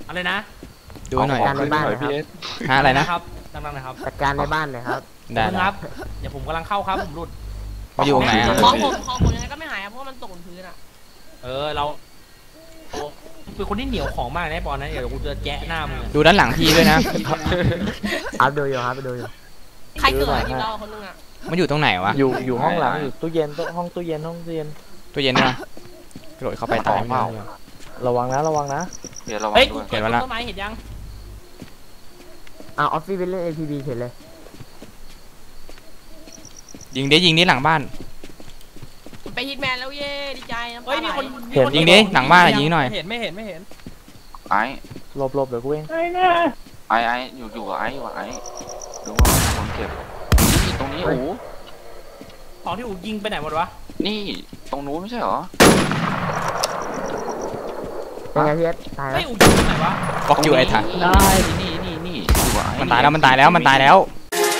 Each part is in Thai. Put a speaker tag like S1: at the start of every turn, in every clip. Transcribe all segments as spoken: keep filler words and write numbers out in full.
S1: อะไรนะ
S2: ดูหน่อย
S3: การในบ้านนะครับ
S2: ฮะอะไรนะครับ
S1: ดังๆนะครับ
S3: จัดการในบ้านเลยครับ
S2: ได้
S1: ครับเดี๋ยวผมกำลังเข้าครับผมหลุด
S2: มาอยู่ไหนอ่ะ
S4: ของผมของผมยังไงก็ไม่หายเพราะมันตกบนพื้นอ่ะ
S1: เออเราเป็นคนที่เหนียวของมากนะปอนนะเดี๋ยวกูจะแจ๊ะหน้ามึง
S2: ดูด้านหลังพี่ด้วยนะ
S3: อัพดูอยู่ครับดูอยู่
S4: ใครเกิดที่เราคนนึงอ่ะ
S2: มันอยู่ตรงไหนวะ
S5: อยู่อยู่ห้องหลังอยู่ตู้เย็นห้องตู้เย็นห้องตู้เย็น
S2: ตู้เย็นนะกระโดดเข้าไปตายไม่ได้
S5: ระวังนะระวังนะ
S1: เดี๋ยวระวังด้วยเห็นแล้วต้นไม้เห็นยัง
S3: อ่าออฟฟี่เป็นเล่น เอ พี บี เห็นเลย
S2: ยิงดิยิงดิหลังบ้าน
S4: ไปฮิตแมนแล้วเย่ดีใจนะ
S1: เฮ้ยมีคน
S2: ยิงดิหลังบ้านยิงหน่อย
S1: เห็นไม่เห็นไม่เห็น
S6: ไอ้
S5: หลบหลบเดี๋ยวกูเอง
S6: ไอ้แน่ไอ้ไอ้อยู่อยู่กับไอ้อยู่กับไอ้ดูว่าคนเก็บนี่ตรงนี้โอ้
S1: ของที่อูยิงไปไหนหมดวะ
S6: นี่ตรงนู้นไม่ใช่หรอ
S3: เป็นไงพี่เอสตายแล้ว
S1: ไม่อูยิงไปไหนวะ
S2: บล็อกอยู่ไอ้ท่า
S6: ได้นี่นี่นี่
S2: มันตายแล้วมันตายแล้วมันตายแล้ว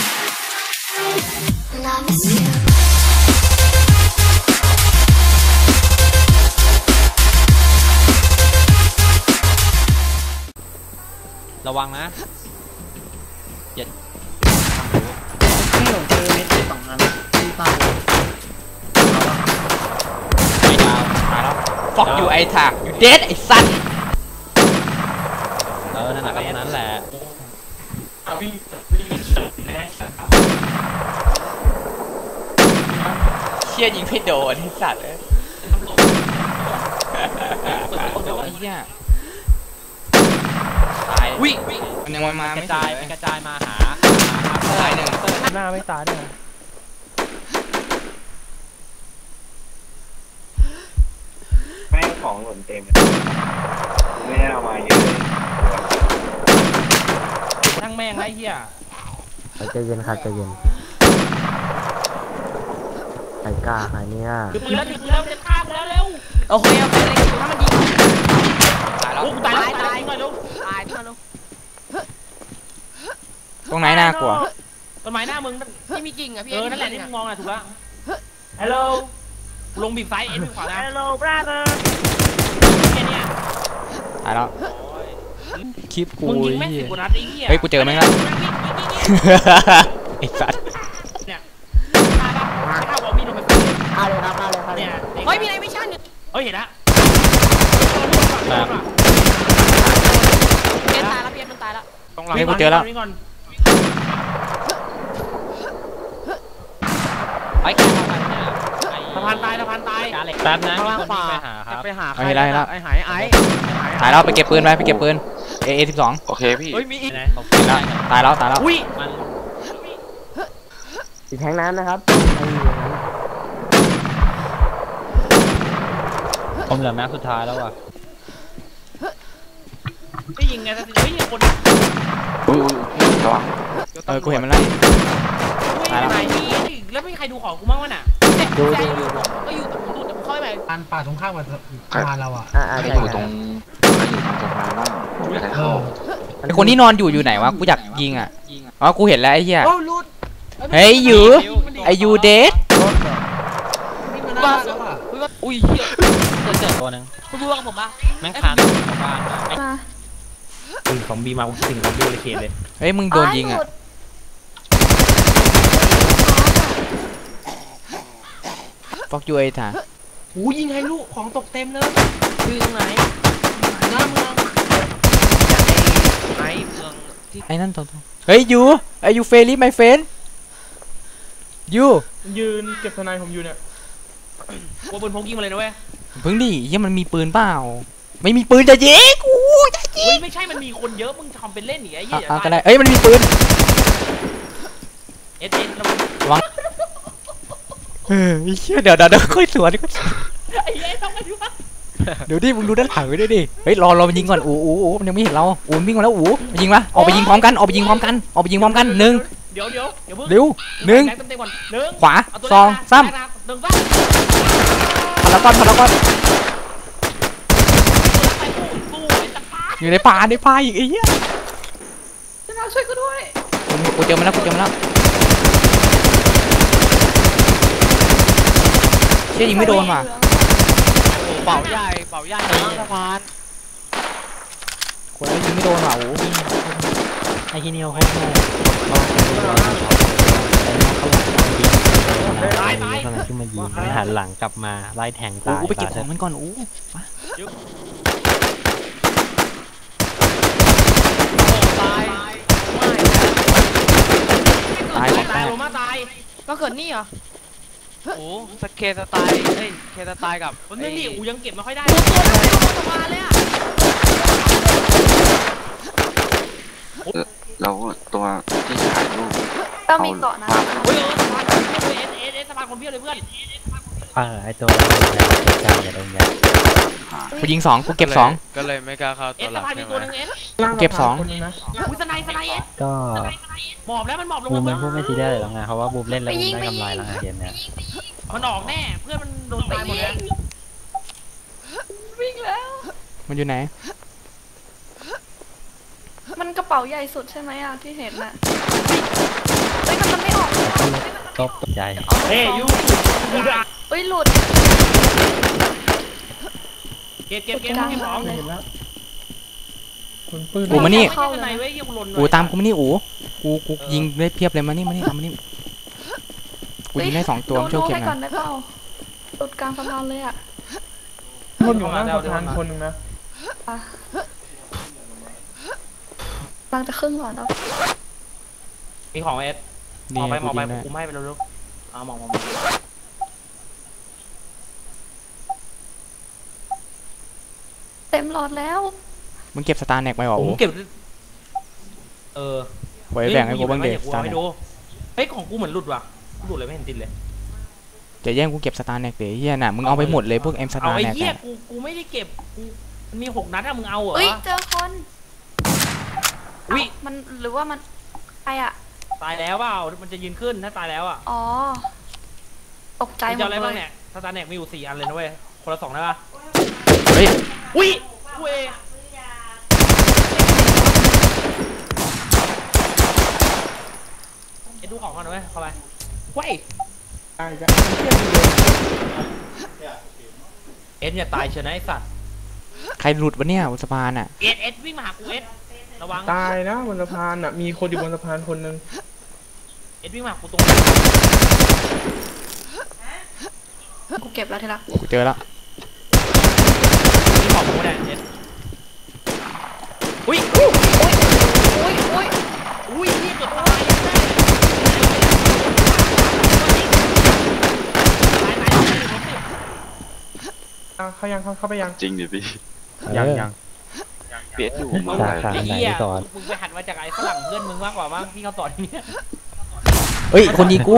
S1: ระวังนะอย่า
S7: ไม่หลงเจอเม็ดสองอันที่ตาย
S1: ไม่ดาวตายแล้ว
S2: บล็อกอยู่ไอ้ท่าอยู่เดดไอ้สัตว์
S1: เออนั่นแหละก็นั้นแหละ
S2: เชี่ยยิงไม่โดนไอ้สัตว์เลยไอ้เหี้ยตายวิ่งมันยังมาก
S1: ระจายกระจายมาหา
S2: ตายหนึ่ง
S5: หน้าไม่ตายเนี่ย
S7: แม่งของหล่นเต็มไม่ได้เอามาเยอะเลย
S1: ทั้งแม่งไอ้เหี้ย
S3: ใจเย็นครับใจเย็นใครกล้าใครเนี่ย
S1: ถือปืนแล้วถือปืนแล้วจะฆ่ากูแล้วเร็ว
S4: โอเคโอเคเลยถ้ามันยิง
S1: ตายแล้วตายแล้วตายแล้ว
S4: ตายมาลูก
S2: ตรงไหนน่ากลัว
S1: ต้นไม้หน้ามึง
S4: ที่มีกิ่งอ่ะพี่
S1: เออนั่นแหละที่มึงมองอ่ะถูกแล้วฮัลโหลลงบีบไซส์เอ็นบีบขวานะฮัลโหลบราเธอร์เนี่ย
S2: ตายแล้วคลิปกู
S1: มึงยิงแม่งสิบกว่านัดไอ้เหี้ย
S2: เฮ้ยกูเจอไหมครับไอ้สัตว์
S1: เนี่ยถ้าถ้าบอกมีโดนไป
S3: ฆ่าเลยครับฆ่าเลยครับ
S1: เนี่ย
S4: เฮ้ยมีอะไรไม่ใช่เนี่ย
S1: เฮ้ยเห็นละ
S4: เพี้ยนตายแล้วเพี้ยนมันตายแล้ว
S2: ต้องเฮ้ยกูเจอแล้ว
S1: ไอ้สะพานตายสะพานตายแป๊บนะมีคนไปหาครับไปหาใครไอ้หายไอ้
S2: ตายแล้วไปเก็บปืนไปไปเก็บปืนเอเอสิบสอง
S6: โอเคพี่
S1: เฮ้ยมีอีก
S2: ตายแล้วตายแล้ว
S1: อุ้ยมัน
S3: อีกแทงน้ำนะครับ
S1: ผมเหลือแม็กสุดท้ายแล้วอ่ะไม่ยิงไงแต่เฮ้ยคน
S6: อุ้ยอุ้ยระวัง
S2: เออกูเห็นมันแล้ว
S1: ตายแล้วแล้วไม่มีใครดูของกูบ้างวะน่ะ
S3: ดู
S4: ดู
S3: ดู
S4: ก็อยู่แต่ผมดูแต่ผมเข้าไป
S7: อันป่าตรงข้ามกับสะพานเราอ่ะ
S6: ใครอยู่ตรงใครอยู่ตรงสะพานบ้างผมอยากให้เข้า
S2: ไอคนที่นอนอยู่อยู่ไหนวะกูอยากยิงอ่ะอ๋อกูเห็นแล้วไอ้เหี้ย
S4: โอ้ลุด
S2: เฮ้ยอยู่ไอยูเดส
S4: บ้า
S1: อุ้ยเหี้ยเจอตัวนึง
S4: คุณรู้กับผมปะ
S1: แม่งคานของบ้านมาสิ่งของบีมาสิ่งของบีเลยเคเลย
S2: เฮ้ยมึงโดนยิงอ่ะฟอกยูไอ้ท่า
S1: โอ้ยิงให้ลูกของตกเต็มเลย
S4: คือตรงไหน
S1: หน้าเมืองไอ้เมืองที่
S2: ไอ้นั่นตรงเฮ้ยยูไอ้ยูเฟลี่ไมเฟนยู
S1: ยืนเก็บทนายผมอยู่เนี่ยว่าปืนพกยิงมาเลยนะเว้ย
S2: เพิ่งดิยังมันมีปืนเปล่าไม่มีปืนจะยิงกูจะยิง
S1: ไม่ใช่มันมีคนเยอะมึงทำเป็นเล่นหนิไอ้เหี้ย
S2: ก็ได้เอ้ยมันมีปืน
S1: เอสเอส
S2: ระวังเฮ้ยเดี๋ยวเดี๋ยวเดี๋ยวค่อยสวนก็
S1: ไอ้เหี้ยต้องมาดู
S2: เดี๋ยวดิมึงดูด้านหลังไว้ด้วยดิเฮ้ยรอรอมันยิงก่อนอู๋อู๋มันยังไม่เห็นเราอู๋วิ่งมาแล้วอู๋ยิงมาออกไปยิงพร้อมกันออกไปยิงพร้อมกันออกไปยิงพร้อมกันหนึ่ง
S1: เดี๋ยวเดี๋ยวเดี๋ยว
S2: เร็วหนึ่งขวาสองสามพลังก้อนพลังก้อนอยู่ในป่าในป่าอีกไอ้เหี้ย
S4: ช่วยกูด้วย
S2: กูเจอมันแล้วกูเจอมันแล้วเชี่ยยิงไม่โดนว่ะ
S1: เป่าใหญ่เป่าใหญ่สะพาน
S2: กูแล้วยิงไม่โดนว่ะโอ้
S8: ไอ้ที่นี่เขาโคตรโง่ตายตายตอนนั้นขึ้นมายิงไม่หันหลังกลับมาไล่แทง
S2: โอ้
S8: ตาย
S2: กูไปเก็บของมันก่อนโอ้มา
S1: ตาย
S2: ตายของ
S1: ตา
S2: ตาย ย
S1: ลงมาตาย
S4: ก็เกิดนี่เหรอ
S6: โอ้สเคสไตล์เฮ้ยเคสไตล์กับ
S1: มันไม่ดิอูยังเก็บไม่ค่อยได้
S4: ตัวตัวนั้นไม่ลงมาเลยอ่ะ
S6: เราตัวที่ถ่ายรูป
S9: ต้องมีเกาะนะ
S1: เฮ้ยสะพานเอสเอสเอสสะพานคนเพี้ยเลยเพื่อน
S8: เออไอ้ตัวการอย่าโดนยัด
S2: กูยิงสองกูเก็บสอง
S6: ก็เลยไม่กล้าเข้า
S1: เอ
S6: ตัว
S1: ส
S6: หลั
S1: สะ
S6: ก
S1: พานมี
S6: ใช่ไห
S1: ตัว
S6: ม
S1: นึงเอส
S2: เก็บสอง
S1: อุ้ยสไนสไนเอส
S8: ก็
S1: หมอบแล้วมันหมอบลง
S8: บูม
S1: มา
S8: มันพูดไม่ซีเรียสเลยหรอกไงเพราะว่าบูมเล่นแล้วบูมได้กำไรแล้วไงเกมเนี้ย
S1: มันออกแน่เพื่อนมันโดนตายหมดแล้ว
S9: วิ่งแล้ว
S2: มันอยู่ไหน
S9: มันกระเป๋าใหญ่สุดใช่ไหมอ่ะที่เห็นน่ะเฮ้ยมันมันไม่ออก
S8: ก็ตกใจ
S1: เฮ้ยยูยูดะ
S9: เฮ้ยหลุด
S1: เก็บเก็บเก็บเก็บของ
S5: เห็นแล้วคนปืน
S2: อูมานี่
S1: ไม่ใช่สไนเว้ยยังหล่น
S2: อูตามกูมานี่อูกูกูยิงได้เพียบเลยมานี่มานี่ตามมานี่กูยิงได้สองตัวช่วยเก็บ
S9: ให้
S2: ห
S9: ก่อ
S2: นะ
S9: นได้เปล่าหลุดกลางสะพานเลยอ่ะ
S5: คนอยู่ข้างสะพานคนนึงนะ
S9: อ่ะกลางจะครึ่งก่อนแล้ว
S1: มีของเอสหม
S2: นี่
S1: อบไปหม
S2: กู
S1: อบไป
S2: ยิงได้
S1: กูไม่ไปเร็วๆเอาหมอบหมอบ
S9: เต็มหลอดแล้ว
S2: มึงเก็บสตาร์แน็กไปวะ
S1: ผ
S2: อู
S1: มเก็บเออ
S2: ไว้แบ่งให้กูบ้างเด็
S1: ส
S2: สตาร์
S1: ให้
S2: แน็ก
S1: ดูเฮ้ยของกูเหมือนหลุดว่ะหลุดเลยไม่เห็นติดเลย
S2: จะแย่งกูเก็บสตาร์แน็กเดี๋ยวเฮียน่ะมึงเอาไปหมดเลยพวกเอ็มส
S1: เอา
S2: ตาร์
S1: ไอ้
S2: แน็ก
S1: เหี้ยกูกูไม่ได้เก็บกูมันมีหกนัดอะมึงเอาเหรอ
S9: เอ้ยเจอคน
S1: วิ
S9: เอ้ามันหรือว่ามันใครอ่ะ
S1: ตายแล้วเปล่ามันจะยืนขึ้นถ้าตายแล้วอ่ะ
S9: อ๋อตกใจ
S1: มึง
S9: หม
S1: จะ
S9: ด
S1: เอาอะไร
S9: เล
S1: บ้าง
S9: ย
S1: เนี่ยสตาร์แน็กมีอยู่สี่อันเลยนะเว้ยคนละสองได้ปะ
S2: เฮ้ย
S1: อุ้ยเว้ยเอ็ดดูของก่อนนะเว้ยเข้าไปเว้ยเอ็ดเนี่ยตายเชียวนะไอ้สัตว์
S2: ใครหลุดวะเนี่ยบนสะพานอ่ะ
S1: เอ็ดเอ็ดวิ่งมาหากูเอ็ดระวัง
S5: ตายนะบนสะพานอ่ะมีคนอยู่บนสะพานคนนึง
S1: เอ็ดวิ่งมาหากูตรงนี้
S9: กูเก็บแล้วทีละ
S2: กูเจอแล้ว
S1: มีของกูไม่ได้เอ็ดอุ้ย
S9: อุ้ยอุ้ย
S1: อุ้ยนี่เกือบตายยังได้ตายตายตาย
S5: อ่ะเข้ายังเข้าเข้าไปยัง
S6: จริงดิพี่
S5: ยังยัง
S6: เปียกอยู่เมื่อ
S8: สา
S6: ไหร่
S8: ขา
S1: ไอ้
S8: ไหน
S1: เหี้ย
S8: สอน
S1: มึงไปหัดมาจากไอ้ฝรั่งเพื่อนมึงมากกว่ามั้งที่เขาสอนเนี่ย
S2: เฮ้ยคนยิงกู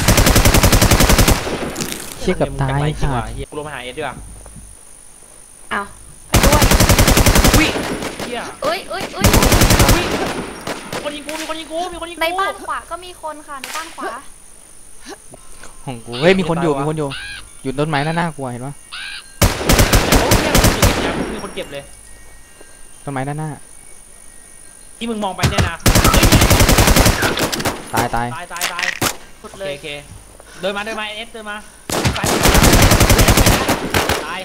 S2: เชี่ยเกับตายค่ะ
S1: เหี้ยกูลงมาหาเอ็ดดีกว่า
S9: อ้าวไปด้วย
S1: อุ้ยเหี้ย
S9: เอ้ยเอ้ยเอ้ย
S1: อุ้ยมีคนยิงกูมีคนยิงกูมีคนยิงกู
S9: ในบ้านขวาก็มีคนค่ะในบ้านขวา
S2: ของกูเฮ้ยมีคนอยู่มีคนอยู่อยู่ต้นไม้หน้าหน้ากูเห็นปะ
S1: โอ้ยเนี่ยมีคนเก็บเลย
S2: ต้นไม้ด้านหน้า
S1: ที่มึงมองไปเนี่ยนะ
S2: ตายตาย
S1: ตายตายตาย
S9: สุด
S1: โอ
S9: เล
S1: เค
S9: ย
S1: โอเคเดินมาเดินมาเอสเดินมาตายตาย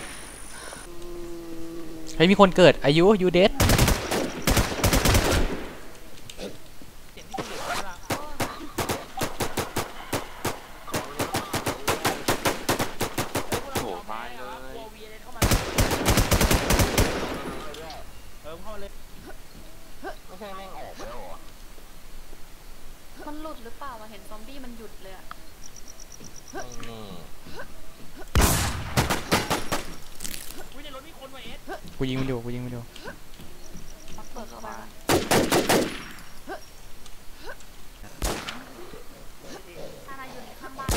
S2: เฮ้ยมีคนเกิดอายุยูเดส
S6: โอ้มาเลย
S1: เออเข้ามาเลย
S9: มันหลุดหรือเปล่าวะเห็นซอมบี้มันหยุดเลยอะ
S1: อุ้ยในรถมีคนว่ะเอส
S2: กูยิงมันอยู่กูยิงมันอยู่
S9: เปิดเข้าไปก่อนถ้านายอยู่ในข้างบ้าน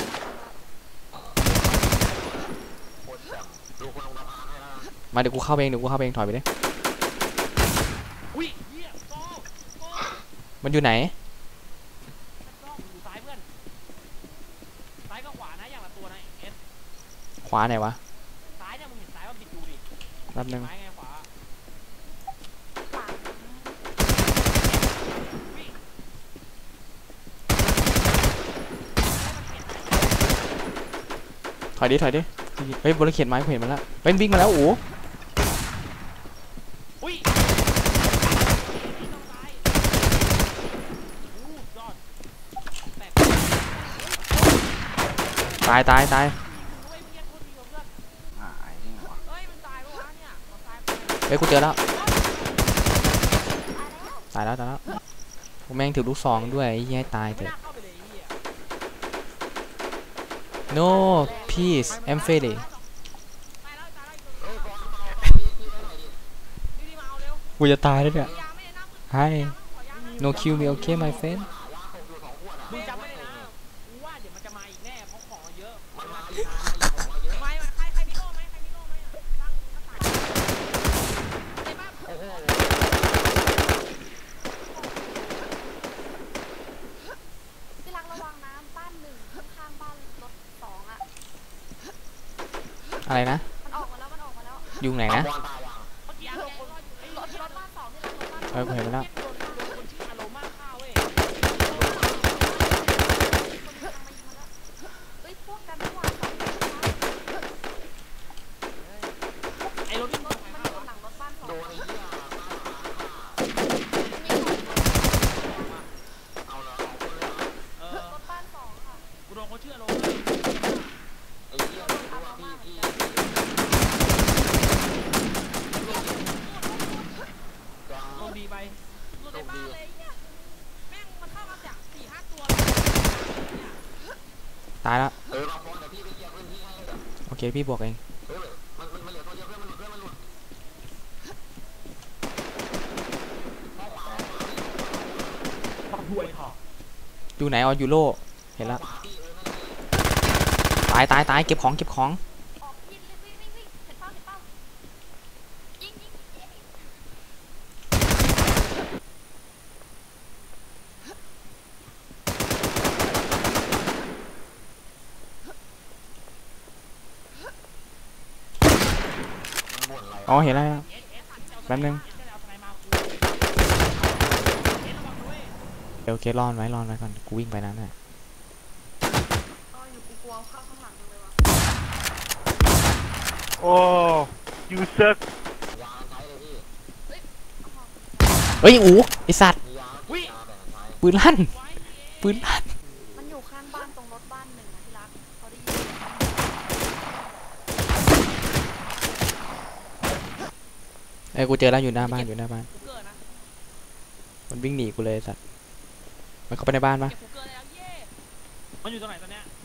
S2: มาเดี๋ยวกูเข้าไปเองเดี๋ยวกูเข้าไปเองถอยไปเลย
S1: อุ้ยเหี้ยโซ่โซ่
S2: มันอยู่ไหน
S1: โซ่อยู่ซ้ายเพื่อนซ้ายกับขวานะอย่างละตัวนะเอส
S2: ขวาไหนวะ
S1: ซ้ายเนี่ยมึงเห็นซ้ายว่าบิดดูดิ
S2: แป๊บนึง
S1: ซ้ายไงขวา
S2: ถอยดิถอยดิเฮ้ยบนเขียนไม้กูเห็นมันแล้วเป็นวิ่งมาแล้วโอ้
S1: อุ้ย
S2: ตายตายตาย
S6: อ่าไอ้นี่ไงวะ
S4: เฮ้ยมันตายปะวะเนี่ยมันตาย
S2: เฮ้ยกูเจอแล้วตายแล้วตายแล้วกูแม่งถือลูกซองด้วยไอ้เหี้ยให้ตายเถ
S4: ไม่
S2: อะ
S4: น่าเข้าไปเลยไอ้เหี้ย
S2: no peace I'm failing
S4: ตายแล้วตายแล้วรีบมาเอาเร็ว
S2: กูจะตายแล้วเนี่ย
S4: ยางไม่ได้น้ำมือ
S2: hi
S4: ขอยางนะ
S2: no kill me okay my friend
S1: มึงจำไม่ได้นะกูว่าเดี๋ยวมันจะมาอีกแน่เพราะของเราเยอะมันมา
S4: ไม่ไม่ใครใครมีโล่ไหมใครมีโล่ไหมตั้งหน้าต่างไอ้บ้า
S9: ที่รักระวังน้ำบ้านหนึ่งข้างๆบ้านรถสองอ่ะ
S2: อะไรนะ
S9: มันออกมาแล้วมันออกมาแล้ว
S2: ยุงไหนนะ
S4: เมื่อกี้แกรออยู่ไอ้
S9: รถรถบ้านสองที่รักรถบ้านส
S2: เอ
S9: อ
S2: อง กูเห็นไปแล้ว
S1: โดนโดนคนชื่ออโรมาฆ่าเว้ย
S9: เฮ้ยพวกกันเมื่อวานสองคนนะคะ
S1: ไอ้รถที่
S9: ร
S1: ร
S9: ถ
S1: ถ
S9: มัน
S1: ฆ่า
S9: อยู่หลังรถบ้านสองมีสอง
S1: เออ
S9: รถบ้านสองค่ะ
S1: กูโดนคนชื่ออโร
S9: เอามาเหมือนกัน
S1: โดนดีไป
S4: หลุดในบ้านเลยเนี่ยแม่งมันเข้ามาจากสี่ห้าตัว
S2: ตายแล้วโอเคพี่บวกเองอยู่ไหนอ๋อยูโรเห็นแล้วตายตายตายเก็บของเก็บของ
S9: ออกยิงเลยวิ่งวิ่งวิ่งเห็นเป้าเห็นเป้ายิงยิงยิง
S2: อ๋อเห็นแล้วแป๊บนึงเดี๋ยวโอเครอนไว้รอนไว้ก่อนกูวิ่งไปนั้นแหละ
S9: อ๋ออยู่กูกลัวเข้าข้างหลังเลยวะ
S5: โอ้ยูเซิร์ก
S2: เฮ้ยอูไอสัตว์ปืนลั่นปืนลั่น
S9: มันอยู่ข้างบ้านตรงรถบ้านหนึ่งนะที่รักเขาได้ยิน
S2: เอ้ยกูเจอแล้วอยู่หน้าบ้านอยู่หน้าบ้าน
S4: กูเกิดนะ
S2: มันวิ่งหนีกูเลยไอ้สัตว์มันเข้าไปในบ้านปะ
S4: เก็บกูเกิดแล้วเย่
S1: มันอยู่ตรงไหนตอนเนี้ย